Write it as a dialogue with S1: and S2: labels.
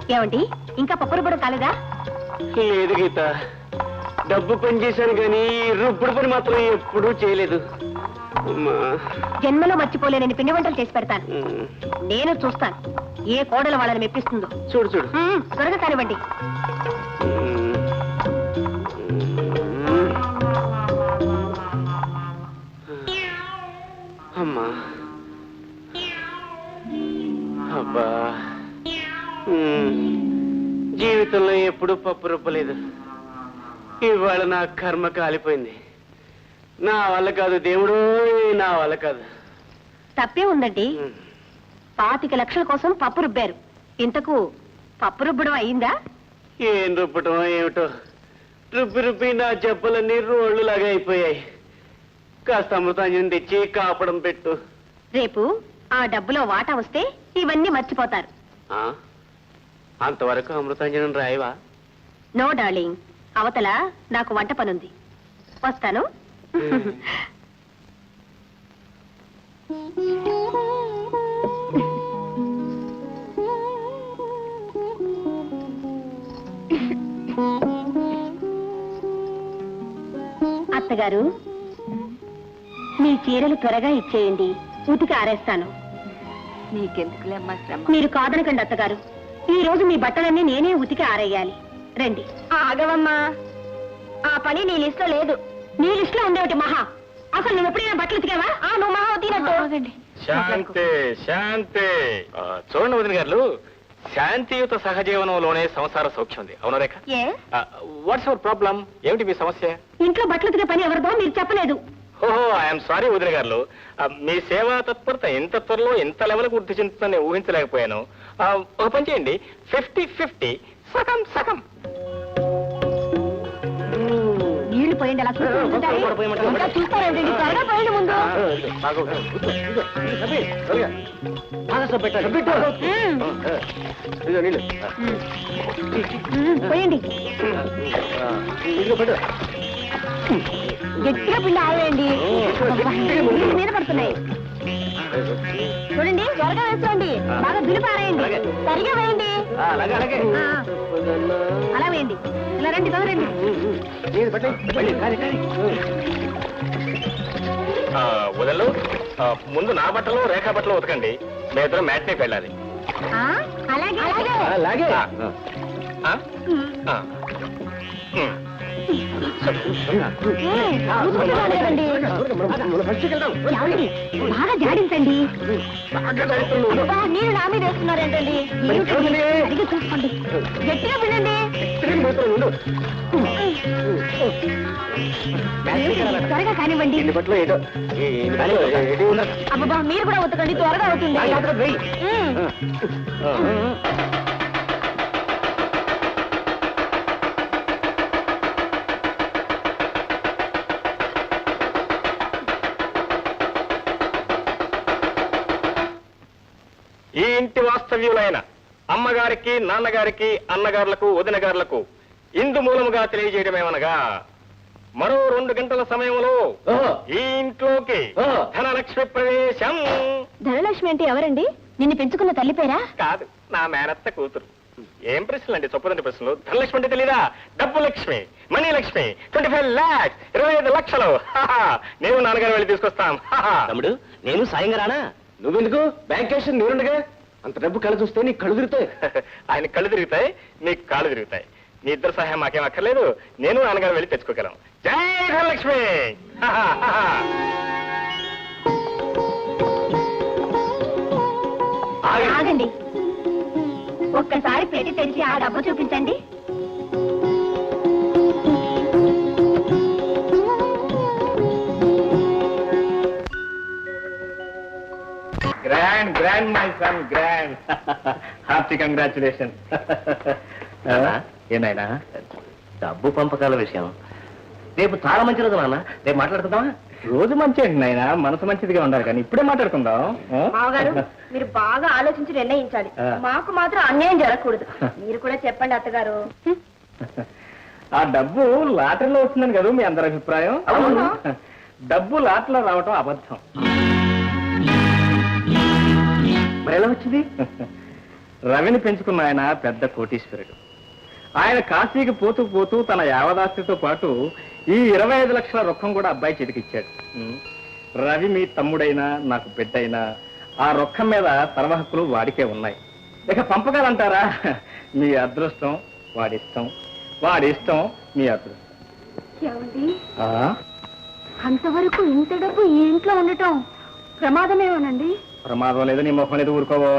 S1: ఏమండి ఇంకా పప్పు రుబ్బడం కాలేదా?
S2: లేదు గీత, డబ్బు పని చేశాను కానీ రుబ్బుడు పని మాత్రం ఎప్పుడూ చేయలేదు.
S1: జన్మలో మర్చిపోలేనని పిండి వంటలు చేసి పెడతాను. నేను చూస్తాను ఏ కోడలు వాళ్ళని మెప్పిస్తుందో.
S2: చూడు చూడు,
S1: త్వరగా కానివ్వండి.
S2: అమ్మా అబ్బా, జీవితంలో ఎప్పుడూ పప్పు రుబ్బలేదు. ఇవాళ నా కర్మ కాలిపోయింది. నా వల్ల కాదు దేవుడు, నా వల్ల కాదు.
S1: తప్పే ఉందండి. 25 లక్షల కోసం పప్పు రుబ్బారు. ఇంతకు పప్పు రుబ్బడం అయిందా?
S2: ఏం రుబ్బటం ఏమిటో, రుబ్బి రుబ్బి నా జబ్బలన్నీ రోళ్లు లాగా అయిపోయాయి. కాస్త అమృతాంజనం తెచ్చి కాపడం పెట్టు.
S1: రేపు ఆ డబ్బులో వాటా వస్తే ఇవన్నీ మర్చిపోతారు.
S2: అంతవరకు అమృతాంజనం రాయవా?
S1: నో డార్లింగ్, అవతల నాకు వంట పనుంది. వస్తాను. అత్తగారు, మీ చీరలు త్వరగా ఇచ్చేయండి, ఉతికి ఆరేస్తాను.
S3: నీకెందుకులేమ్మా శ్రమ.
S1: మీరు కాదనకండి అత్తగారు, ఈ రోజు మీ బట్టలన్నీ నేనే ఉతికి ఆరేయాలి. రండి. ఆగవమ్మా, ఆ పని నీ లిస్ట్ లో లేదు. నీ లిస్ట్ లో ఉండేటి మహా. అసలు నువ్వు ఎప్పుడైనా బట్టలు ఉతికావా? నువ్వు మహా ఉతినట్టు.
S4: శాంతి శాంతి. చూడండి వదిన గారు, శాంతియుత సహజీవనంలోనే సంసార సౌఖ్యం ఉంది. అవును రేఖ? What's your problem? ఏమిటి మీ సమస్య?
S1: ఇంట్లో బట్టలు ఉతికే పని ఎవరిదో మీరు చెప్పలేదు.
S4: ఓహో, ఐఎమ్ సారీ వదిన గారు. మీ సేవా తత్పరత ఇంత త్వరలో ఇంత లెవెల్ వృద్ధి చెందుతుందని నేను ఊహించలేకపోయాను. ఒక పని చేయండి, 50-50 సగం సగం.
S1: నీళ్లు పోయండి, అలా చూస్తారండి. త్వరగా పోయండి ముందు. పోయండి, గట్టిగా పిండి ఆవేయండి. మీద పడుతున్నాయి చూడండి. త్వరగా వేసుకోండి, బాగా దులిపారేయండి, సరిగా వేయండి. అలా వేయండి. ఇలా రండి, తొందరండి.
S4: వదలు, ముందు నా బట్టలు రేఖా బట్టలు ఉతకండి. మీ ఇద్దరు మ్యాట్నేకి వెళ్ళాలి.
S1: అలాగే
S2: అలాగే.
S1: బాగా జాడించండి. నీళ్ళు నా మీద వేస్తున్నారేంటండి? సరిగ్గా చూసుకోండి, గట్టిగా వినండి. త్వరగా కానివ్వండి. అబ్బా, మీరు కూడా ఉతకండి, త్వరగా అవుతుంది.
S4: ఈ ఇంటి వాస్తవ్యులైన అమ్మగారికి, నాన్నగారికి, అన్నగారులకు, వదినగారులకు ఇందు మూలముగా తెలియజేయడమేమనగా, మరో 2 గంటల సమయంలో ఈ ఇంట్లోకి ధనలక్ష్మి ప్రవేశం.
S1: ధనలక్ష్మి అంటే ఎవరండి? నిన్ను పెంచుకున్న తల్లి పేరా?
S4: కాదు, నా మేనత్త కూతురు. ఏం ప్రశ్నలు అండి, చొప్పుదండి ప్రశ్నలు. ధనలక్ష్మి అంటే తెలీదా? డబ్బు లక్ష్మి, మనీ లక్ష్మి. 25 lakhs, 25 లక్షలు. నేను నాన్నగారు వెళ్ళి తీసుకొస్తాం.
S2: తమ్ముడు, నేను సాయంగా రానా? నువ్వెందుకు? బ్యాంక్ క్యాష్ నేనుండగా. అంత డబ్బు కళ్ళు చూస్తే నీ కళ్ళు తిరుగుతాయి.
S4: ఆయన కళ్ళు తిరుగుతాయి, నీకు కాళ్ళు తిరుగుతాయి. నీ ఇద్దరు సహాయం మాకేం అక్కర్లేదు, నేను నాన్నగారు వెళ్ళి తెచ్చుకోగలం. జై ధనలక్ష్మి.
S1: ఆగండి, ఒక్కసారి పెట్టి తెరిచి ఆ డబ్బు చూపించండి.
S4: Grand grand my son, grand. Hearty congratulation. ఏనాయనా,
S2: డబ్బు పంపకాల విషయం రేపు చాలా మంచి రోజు నాన్న. రేపు మాట్లాడుకుందామా?
S4: రోజు మంచి అండి నాయన, మనసు మంచిదిగా ఉండాలి, కానీ ఇప్పుడే మాట్లాడుకుందాం.
S1: మామగారు, మీరు బాగా ఆలోచించి నిర్ణయించాలి. మాకు మాత్రం అన్యాయం జరగకూడదు. మీరు కూడా చెప్పండి అత్తగారు.
S4: ఆ డబ్బు లాటరీలో వస్తుందని కదా మీ అందరి అభిప్రాయం? డబ్బు లాటరీలో రావటం అబద్ధం.
S2: మరి ఎలా వచ్చింది?
S4: రవిని పెంచుకున్న ఆయన పెద్ద కోటీశ్వరుడు. ఆయన కాశీకి పోతూ పోతూ తన యావదాస్తితో పాటు ఈ 25 లక్షల రొక్కం కూడా అబ్బాయి చేతికిచ్చాడు. రవి మీ తమ్ముడైనా నాకు బిడ్డైనా ఆ రొక్కం మీద సర్వ హక్కులు వాడికే ఉన్నాయి. ఇక పంపకాలంటారా? మీ అదృష్టం వాడిష్టం, వాడిష్టం మీ అదృష్టం.
S1: ఏమండి,
S4: ఆ?
S1: అంతవరకు ఇంత డబ్బు ఈ ఇంట్లో ఉండటం ప్రమాదమేమోనండి?
S4: ప్రమాదం లేదు, నీ మొహం లేదు, ఊరుకోవో.